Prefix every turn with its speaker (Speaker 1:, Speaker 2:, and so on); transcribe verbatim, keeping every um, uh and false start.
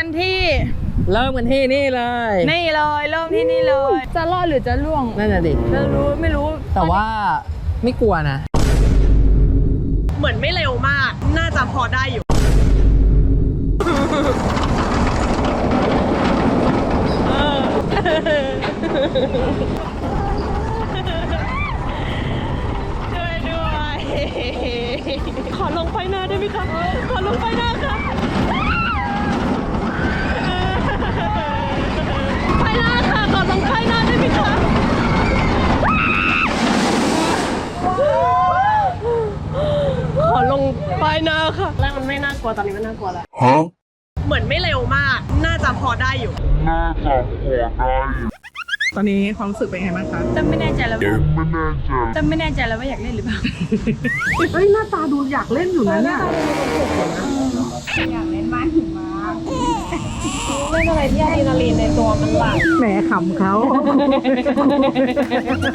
Speaker 1: กันที่
Speaker 2: เริ่มกันที่นี่เลย
Speaker 1: นี่เลยเริ่มที่นี่เลย จะรอดหรือจะล่วง
Speaker 2: นั่นน่ะดิ
Speaker 1: จะรู้ไม่รู้
Speaker 2: แต่ว่าไม่กลัวนะ
Speaker 3: เหมือนไม่เร็วมาก น่าจะพอได้อยู่ ช่วยด้วย ขอลงไฟหน้าได้ไหมคะ ขอลงไฟหน้าค่ะไฟหน้าค่ะ ขอลงไฟหน้าได้ไหมคะ ขอลงป้ายหน้าค่ะแรกมันไม่น่ากลัวตอนนี้มันน่ากลัวแล้วฮะเหมือนไม่เร็วมาก น่าจะพอได้อยู่
Speaker 4: น่าจะพอได้อยู่
Speaker 5: ตอนนี้ความรู้สึกเป็นไงบ้างคะ
Speaker 1: จะไม่แน่ใจแล้ว
Speaker 4: ไม่แน่ใจ
Speaker 1: จะไม่แน่ใจแล้วว่าอยากเล่นหรือเปล่า
Speaker 5: เฮ้ยหน้าตาดูอยากเล่นอยู่นะเนี่ย
Speaker 1: อยากเล่นมากหิมะเล่นอะไรที่อะดรีนาลีนในตัวมันหลั่ง
Speaker 5: แหมขำเขา